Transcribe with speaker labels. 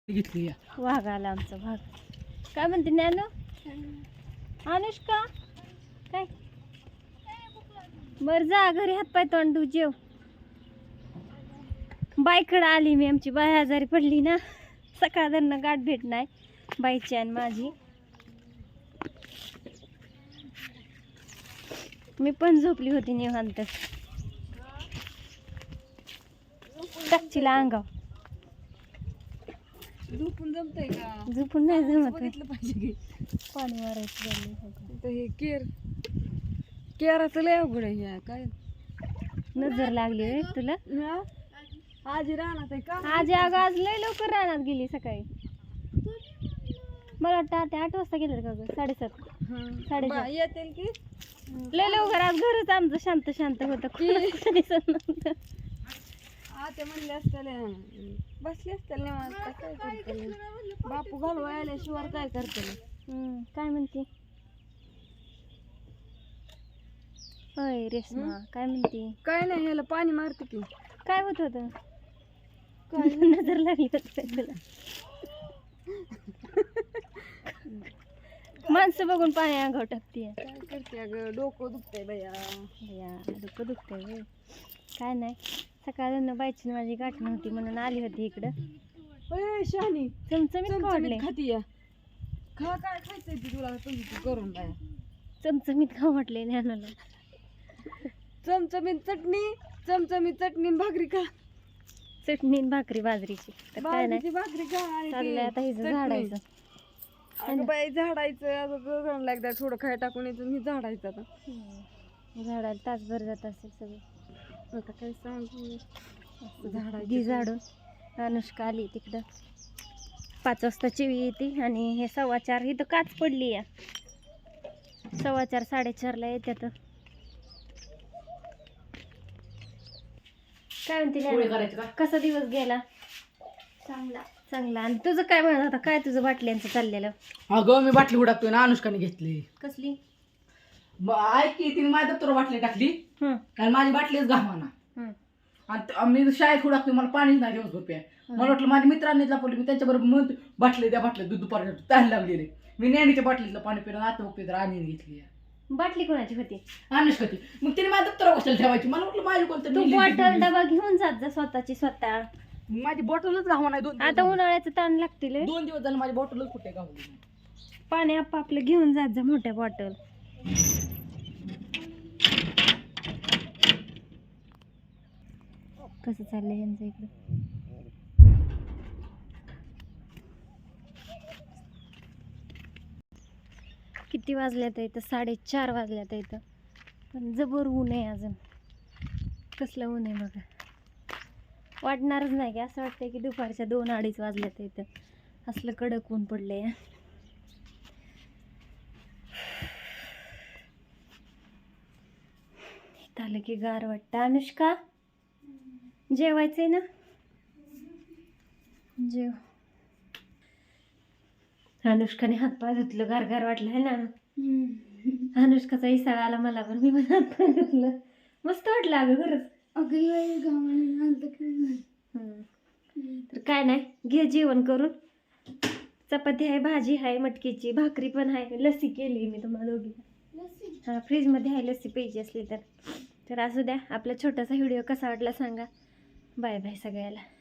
Speaker 1: घेतली
Speaker 2: वाघ आला आमचा भाग. काय म्हणते ज्ञानू? अनुष्का काय बर जा घरी हातपाय तोंड धु जेव. बाईकडे आली मी. आमची बाई आजारी पडली ना, सकाळनं गाठ भेट नाही बाईची आणि माझी. मी पण झोपली होती निवांत. टाकचीला अंगाव
Speaker 1: झोपून जमतंय का?
Speaker 2: झोपून नाही जमत.
Speaker 1: बघितलं पाहिजे की
Speaker 2: पाणी मारायचं
Speaker 1: तर हे केराचं लय अवघड आहे. ह्या काय
Speaker 2: नजर लागली होय तुला?
Speaker 1: हा? आजी राहणार आहे का?
Speaker 2: आज अगं आज लय लवकर रानात गेली सकाळी. मला वाटतं आता 8 वाजता गेलं का ग? 7:30 7:30
Speaker 1: येतील की
Speaker 2: लय लवकर. आज घरच आमचं शांत शांत होतं.
Speaker 1: ते म्हणले असतील बसले असतील निवांत. काय करतील बापू घालवा आल्याशिवाय काय करतील.
Speaker 2: काय म्हणते होय रेश्मा? काय म्हणते?
Speaker 1: काय नाही, ह्याला पाणी मारते की.
Speaker 2: काय होत होतं? नजर लागली होती तुला? माणसं बघून पाणी अंगावर टाकते.
Speaker 1: काय करते अगं? डोकं दुखतंय बया.
Speaker 2: डोकं दुखतंय होय? काय नाही, सकाळनं बाईची माझी गाठ नव्हती म्हणून आली होती इकडं.
Speaker 1: शहाणी
Speaker 2: चमचमीत खावडले.
Speaker 1: खाती या खा. काय खायचंय ती तुला करून बाया?
Speaker 2: चमचमीत खाऊ म्हटले ज्ञानाला.
Speaker 1: चमचमीत चटणी भाकरी खा.
Speaker 2: चटणी आणि भाकरी बाजरीची. तर काय नाही,
Speaker 1: भाकरी खा.
Speaker 2: चाललंय आता हिचं झाडायचं.
Speaker 1: अगं बाई झाडायचं एकदा थोडं खाय टाकून यायचं मी झाडायचं. आता
Speaker 2: झाडायला तासभर जात असेल सगळं.
Speaker 1: आता काय सांगू
Speaker 2: घी झाडून. अनुष्का आली तिकडं. 5 वाजता चिवी येते आणि हे 4:15 इथं काच पडली या. 4:15 4:30 येतात. काय म्हणते? कसा दिवस गेला? चांगला. आणि तुझं काय म्हणत होता? काय तुझं बाटल्यांचं चाललेलं?
Speaker 1: अगं मी बाटली उडाकतोय ना, अनुष्काने घेतली.
Speaker 2: कसली?
Speaker 1: ऐक की, तिने माझ्या दप्तर बाटली टाकली आणि माझी बाटलीच घामाना. आणि मी शाळेत उडाकतोय, मला पाणीच नाही दिवसभर प्याय. मला वाटलं माझ्या मित्रांनी लपवली. मी त्यांच्याबरोबर मग बाटली दूध दुपारी त्याला लागलेले. मी नेहमीच्या बाटलीतलं पाणी पिलं. आता बघतोय तर आम्ही घेतली.
Speaker 2: बाटली कोणाची होती?
Speaker 1: अनुष्काची. मग तिने माझ्या दप्तर कशाला ठेवायची? मला वाटलं माझी कोणतं.
Speaker 2: तू बॉटल डबा घेऊन जात जा स्वतःची स्वतः.
Speaker 1: माझी बॉटलच घावा नाही.
Speaker 2: आता उन्हाळ्याचं ताण लागतील.
Speaker 1: 2 दिवस झाले माझी बॉटलच कुठे गावली.
Speaker 2: पाणी आपापलं घेऊन जात जा मोठ्या बॉटल. कसं चाललंय यांचं इकडं? किती वाजल्यात इथं? 4:30 वाजल्यात इथं. पण जबर ऊन आहे अजून. कसलं ऊन आहे बघा. वाटणारच नाही की. असं वाटतंय की दुपारच्या 2-2:30 वाजल्यात इथं. असलं कडक ऊन पडलंय. इथं आलं की गार वाटतं. अनुष्का जेवायचंय ना? जेव. अनुष्काने हातपाय धुतलं. गार वाटलं आहे ना? अनुष्काचा इसाळा आला मला पण. मी पण हातपाय धुतलं. मस्त वाटलं अगं खरंच. तर काय नाही, घे जेवण करून. चपाती आहे, भाजी आहे, मटकीची भाकरी पण आहे. लस्सी केली मी तुम्हाला दोघीला. हा, फ्रीजमध्ये आहे लस्सी पाहिजे असली तर. असू द्या. आपला छोटासा व्हिडिओ कसा वाटला सांगा. बाय बाय सगळ्याला.